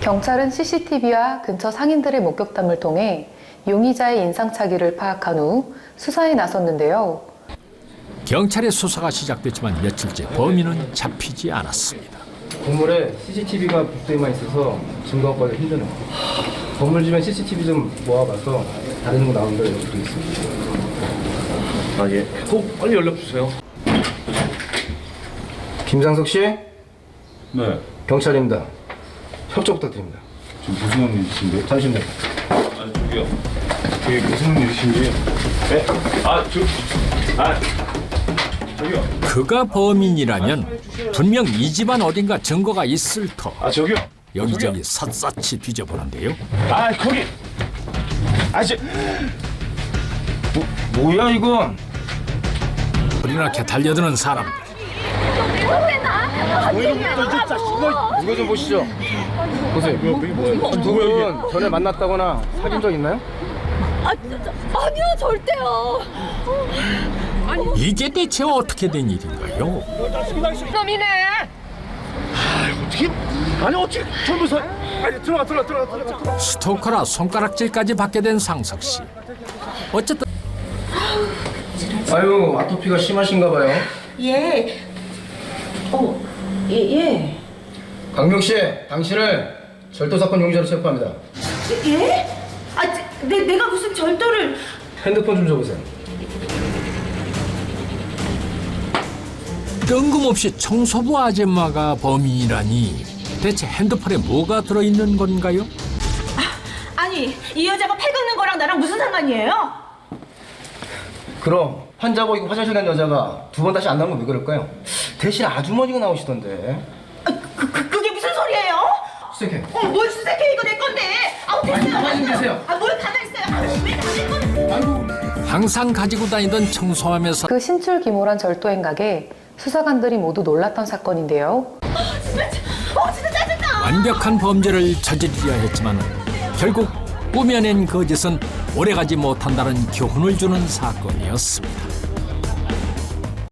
경찰은 CCTV와 근처 상인들의 목격담을 통해 용의자의 인상착의를 파악한 후 수사에 나섰는데요. 경찰의 수사가 시작됐지만 며칠째 범인은 잡히지 않았습니다. 건물에 CCTV가 복도에만 있어서 증거 확보하기 힘드네요. 건물 주변 CCTV 좀 모아봐서 다른 거 나오는 걸 연락드리겠습니다. 아, 예. 꼭 빨리 연락 주세요. 김상석 씨, 네. 경찰입니다. 협조 부탁드립니다. 지금 무슨 일이신데요? 잠시만요. 아, 저기요. 그게 무슨 일이신지. 네? 저기요. 그가 범인이라면 분명 이 집안 어딘가 증거가 있을 터. 아, 저기요. 여기저기 샅샅이 뒤져보는데요. 아, 거기. 아, 뭐야 이건? 불이 나게 달려드는 사람들. 이거 좀 보시죠. 보세요. 두 분 전에 만났다거나 사귄 적 있나요? 아니요, 절대요. 이게 대체 어떻게 된 일인가요? 놈이네. 어떻게? 아니, 어떻게 전부서. 아니, 들어가. 스토커라 손가락질까지 받게 된 상석 씨. 어쨌든 아유, 아토피가 심하신가 봐요. 예. 예. 강명 씨, 당신을 절도 사건 용의자로 체포합니다. 예? 내가 무슨 절도를. 핸드폰 좀 줘보세요. 뜬금없이 청소부 아줌마가 범인이라니 대체 핸드폰에 뭐가 들어있는 건가요? 아니, 이 여자가 팔 긁는 거랑 나랑 무슨 상관이에요? 그럼 환자 보이고 화장실 간 여자가 두 번 다시 안 나오면 왜 그럴까요? 대신 아주머니가 나오시던데. 그게 무슨 소리예요? 수색해. 뭘 수색해, 이거 내 건데. 됐어요. 가만히 좀 계세요. 뭘 가만히 있어요. 왜 남의 건데. 항상 가지고 다니던 청소하면서 그 신출귀몰한 절도 행각에 수사관들이 모두 놀랐던 사건인데요. 진짜 짜증나. 완벽한 범죄를 저지르려 했지만 결국 꾸며낸 거짓은 오래가지 못한다는 교훈을 주는 사건이었습니다.